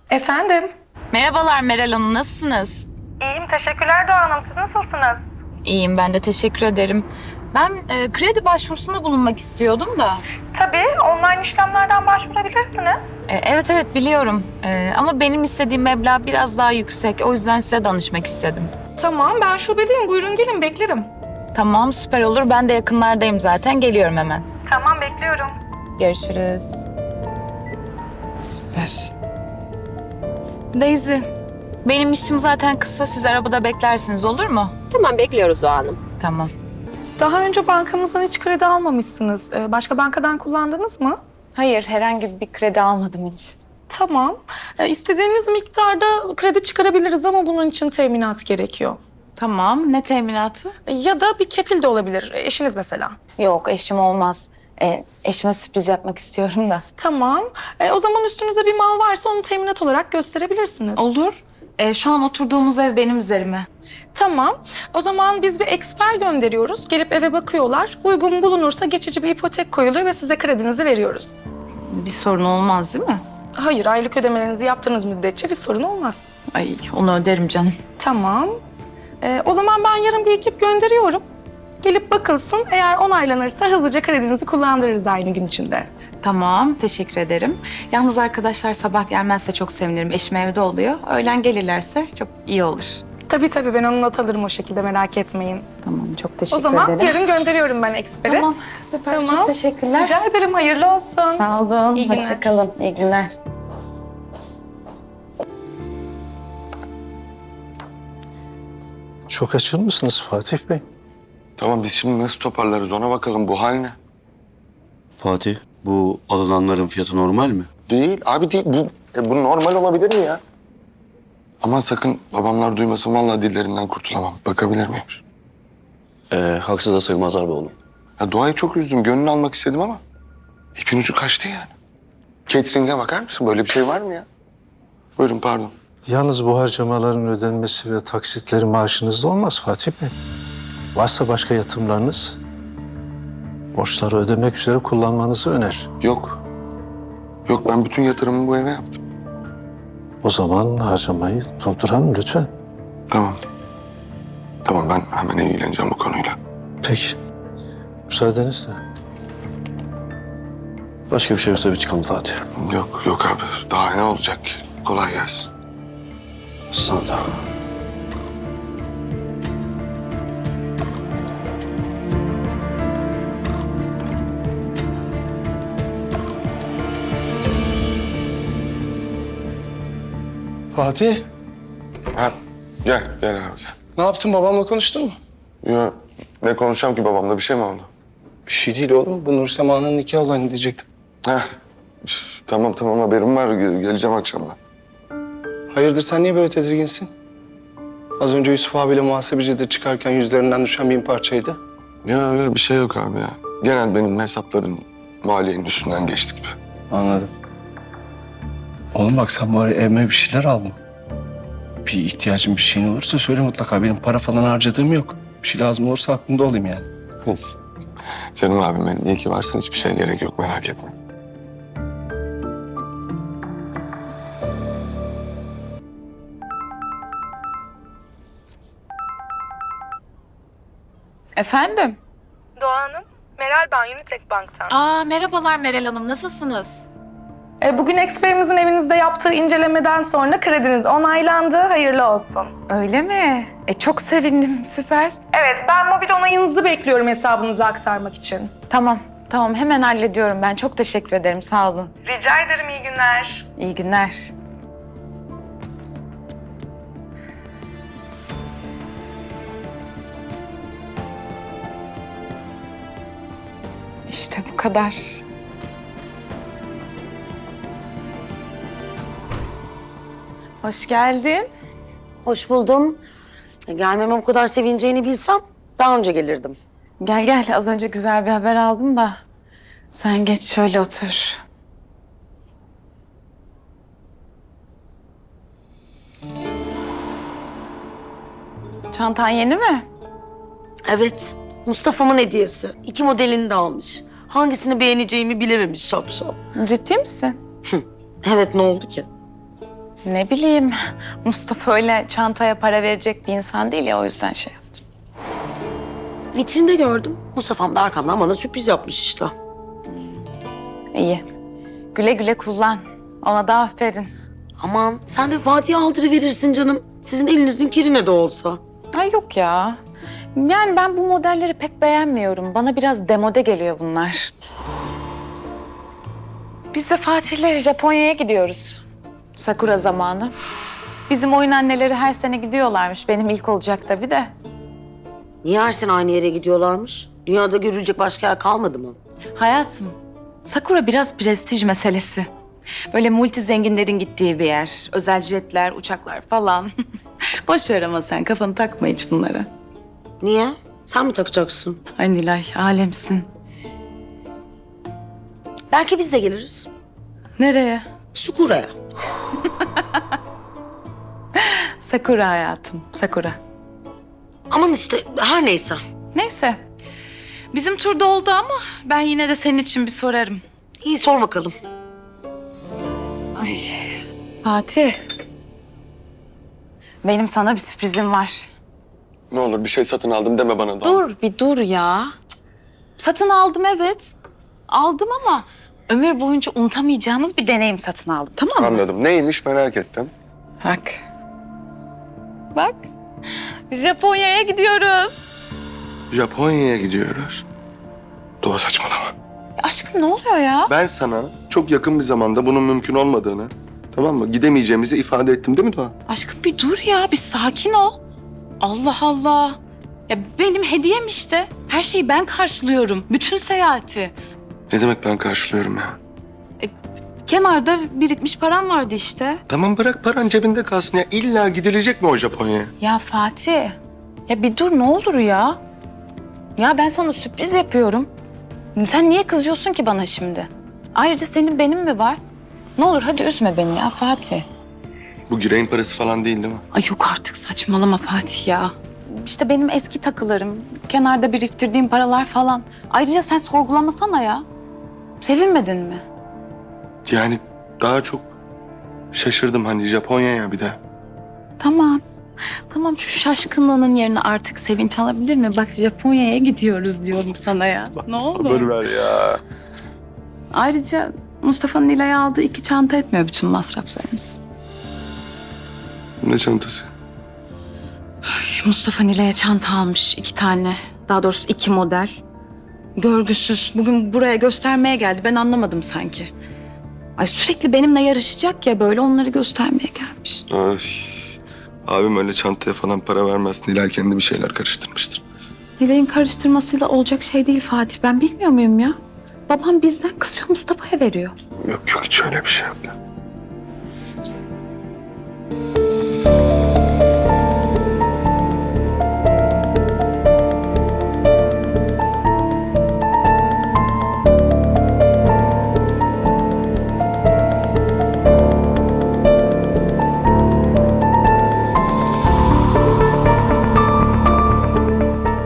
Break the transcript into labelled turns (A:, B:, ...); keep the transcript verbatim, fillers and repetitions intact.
A: Efendim?
B: Merhabalar Meral Hanım, nasılsınız?
A: İyiyim, teşekkürler Doğa Hanım. Siz nasılsınız?
B: İyiyim, ben de teşekkür ederim. Ben e, kredi başvurusunda bulunmak istiyordum da.
A: Tabii, online işlemlerden başvurabilirsiniz.
B: E, evet evet biliyorum E, ama benim istediğim meblağ biraz daha yüksek. O yüzden size danışmak istedim.
A: Tamam, ben şubedeyim. Buyurun gelin, beklerim.
B: Tamam, süper olur. Ben de yakınlardayım zaten. Geliyorum hemen.
A: Tamam, bekliyorum.
B: Görüşürüz. Süper. Daisy, benim işim zaten kısa. Siz arabada beklersiniz, olur mu?
C: Tamam, bekliyoruz Doğa Hanım.
B: Tamam.
A: Daha önce bankamızdan hiç kredi almamışsınız. Ee, Başka bankadan kullandınız mı?
B: Hayır, herhangi bir kredi almadım hiç.
A: Tamam. Ee, istediğiniz miktarda kredi çıkarabiliriz ama bunun için teminat gerekiyor.
B: Tamam, ne teminatı?
A: Ya da bir kefil de olabilir. Eşiniz mesela.
B: Yok, eşim olmaz. E, eşime sürpriz yapmak istiyorum da.
A: Tamam. Ee, o zaman üstünüzde bir mal varsa onu teminat olarak gösterebilirsiniz.
B: Olur. E, şu an oturduğumuz ev benim üzerime.
A: Tamam. O zaman biz bir eksper gönderiyoruz. Gelip eve bakıyorlar. Uygun bulunursa geçici bir ipotek koyuluyor ve size kredinizi veriyoruz.
B: Bir sorun olmaz değil mi?
A: Hayır, aylık ödemelerinizi yaptığınız müddetçe bir sorun olmaz.
B: Ay, onu öderim canım.
A: Tamam. Ee, o zaman ben yarın bir ekip gönderiyorum. Gelip bakılsın. Eğer onaylanırsa hızlıca kredinizi kullandırırız aynı gün içinde.
B: Tamam, teşekkür ederim. Yalnız arkadaşlar sabah gelmezse çok sevinirim. Eşim evde oluyor. Öğlen gelirlerse çok iyi olur.
A: Tabii tabii, ben onu not alırım o şekilde, merak etmeyin.
B: Tamam, çok teşekkür
A: O zaman
B: ederim.
A: yarın gönderiyorum ben eksperi.
B: Tamam, süper.
A: Tamam.
B: Çok teşekkürler.
A: Rica ederim, hayırlı olsun.
B: Sağ olun.
A: İyi günler.
B: Hoşça kalın. İyi günler.
D: Çok açıl mısınız Fatih Bey?
E: Tamam biz şimdi nasıl toparlarız ona bakalım. Bu hal ne?
F: Fatih, bu alınanların fiyatı normal mi?
E: Değil abi değil. Bu, e, bu normal olabilir mi ya? Aman sakın babamlar duymasın. Vallahi dillerinden kurtulamam. Bakabilir miyim?
F: Ee, haksız da sayılmazlar be oğlum.
E: Ya Doğa'yı çok üzdüm. Gönlünü almak istedim ama ipin ucu kaçtı yani. Catering'e bakar mısın? Böyle bir şey var mı ya? Buyurun pardon.
D: Yalnız bu harcamaların ödenmesi ve taksitleri maaşınızda olmaz Fatih Bey. Varsa başka yatırımlarınız, borçları ödemek üzere kullanmanızı öner.
E: Yok. Yok ben bütün yatırımımı bu eve yaptım.
D: O zaman harcamayı durduralım lütfen.
E: Tamam. Tamam ben hemen ilgileneceğim bu konuyla.
D: Peki. Müsaadenizle.
F: Başka bir şey yoksa bir çıkalım Fatih.
E: Yok yok abi. Daha ne olacak ki? Kolay gelsin.
F: Sana da.
G: Fatih,
E: Ha, gel gel abi gel.
G: ne yaptın? Babamla konuştun mu?
E: Yo, ne konuşacağım ki babamla? Bir şey mi oldu?
G: Bir şey değil oğlum. Bu Nur Sema'nın nikah olayını diyecektim.
E: Heh. Üf, Tamam tamam haberim var. Ge- Geleceğim akşam ben.
G: Hayırdır, sen niye böyle tedirginsin? Az önce Yusuf abiyle muhasebecide çıkarken yüzlerinden düşen bin parçaydı.
E: Ya öyle bir şey yok abi ya. Genel benim hesapların maliyenin üstünden geçtik gibi.
G: Anladım. Oğlum bak, sen bari evime bir şeyler aldın. Bir ihtiyacın, bir şeyin olursa söyle mutlaka. Benim para falan harcadığım yok. Bir şey lazım olursa aklımda olayım yani.
E: Neyse. Canım abim benim. İyi ki varsın. Hiçbir şeye gerek yok. Merak etme.
B: Efendim?
A: Doğa Hanım, Meral ben Unitek Bank'tan.
B: Aa, merhabalar Meral Hanım, nasılsınız?
A: Ee, bugün eksperimizin evinizde yaptığı incelemeden sonra krediniz onaylandı. Hayırlı olsun.
B: Öyle mi? E, çok sevindim, süper.
A: Evet, ben mobil onayınızı bekliyorum hesabınıza aktarmak için.
B: Tamam, tamam hemen hallediyorum ben. Çok teşekkür ederim, sağ olun.
A: Rica ederim, iyi günler.
B: İyi günler. İşte bu kadar. Hoş geldin.
H: Hoş buldum. E, Gelmeme bu kadar sevineceğini bilsem daha önce gelirdim.
B: Gel gel, az önce güzel bir haber aldım da. Sen geç şöyle otur. Çantan yeni mi?
H: Evet, Mustafa'mın hediyesi. İki modelini de almış. Hangisini beğeneceğimi bilememiş şapşal.
B: Ciddi misin?
H: Evet, ne oldu ki?
B: Ne bileyim, Mustafa öyle çantaya para verecek bir insan değil ya, o yüzden şey yaptım.
H: Vitrinde gördüm. Mustafa'm da arkamdan bana sürpriz yapmış işte.
B: İyi. Güle güle kullan. Ona da aferin.
H: Aman sen de Fatih'e aldırıverirsin canım. Sizin elinizin kirine de olsa.
B: Ay yok ya. Yani ben bu modelleri pek beğenmiyorum. Bana biraz demode geliyor bunlar. Biz de Fatih'le Japonya'ya gidiyoruz. Sakura zamanı. Bizim oyun anneleri her sene gidiyorlarmış. Benim ilk olacak tabii de.
H: Niye her sene aynı yere gidiyorlarmış? Dünyada görülecek başka yer kalmadı mı?
B: Hayatım, Sakura biraz prestij meselesi. Böyle multi zenginlerin gittiği bir yer. Özel jetler, uçaklar falan. Boş ver ama sen kafanı takma hiç bunlara.
H: Niye? Sen mi takacaksın?
B: Ay Nilay, alemsin.
H: Belki biz de geliriz.
B: Nereye?
H: Sukura'ya.
B: Sakura hayatım, Sakura.
H: Aman işte her neyse.
B: Neyse. Bizim turda oldu ama ben yine de senin için bir sorarım.
H: İyi sor bakalım.
B: Fatih. Benim sana bir sürprizim var.
E: Ne olur bir şey satın aldım deme bana Doğan.
B: Dur bir dur ya. Cık. Satın aldım evet. Aldım ama ömür boyunca unutamayacağımız bir deneyim satın aldım, tamam mı?
E: Anladım. Neymiş merak ettim.
B: Bak. Bak. Japonya'ya gidiyoruz.
E: Japonya'ya gidiyoruz. Doğa saçmalama.
B: Ya aşkım ne oluyor ya?
E: Ben sana çok yakın bir zamanda bunun mümkün olmadığını, tamam mı? Gidemeyeceğimizi ifade ettim değil mi Doğa?
B: Aşkım bir dur ya, bir sakin ol. Allah Allah. Ya benim hediyem işte. Her şeyi ben karşılıyorum. Bütün seyahati.
E: Ne demek ben karşılıyorum ya?
B: Kenarda birikmiş param vardı işte.
E: Tamam bırak paran cebinde kalsın ya. İlla gidilecek mi o Japonya'ya?
B: Ya Fatih, ya bir dur ne olur ya. Ya ben sana sürpriz yapıyorum. Sen niye kızıyorsun ki bana şimdi? Ayrıca senin benim mi var? Ne olur hadi üzme beni ya Fatih.
E: Bu gireyin parası falan değil değil mi?
B: Ay yok artık saçmalama Fatih ya. İşte benim eski takılarım, kenarda biriktirdiğim paralar falan. Ayrıca sen sorgulamasana ya. Sevinmedin mi?
E: Yani daha çok şaşırdım hani Japonya'ya bir de.
B: Tamam. Tamam şu şaşkınlığının yerine artık sevinç alabilir mi? Bak Japonya'ya gidiyoruz diyorum sana ya. Ne olur?
E: Sabır ver ya.
B: Ayrıca Mustafa'nın Nilay'a aldığı iki çanta etmiyor bütün masraflarımız.
E: Ne çantası?
B: Mustafa Nilay'a çanta almış iki tane. Daha doğrusu iki model. Görgüsüz. Bugün buraya göstermeye geldi. Ben anlamadım sanki. Ay sürekli benimle yarışacak ya böyle onları göstermeye gelmiş.
E: Ay. Abim öyle çantaya falan para vermez. Nilay kendi bir şeyler karıştırmıştır.
B: Nilay'ın karıştırmasıyla olacak şey değil Fatih. Ben bilmiyor muyum ya? Babam bizden kısıyor Mustafa'ya veriyor.
E: Yok yok hiç öyle bir şey yok.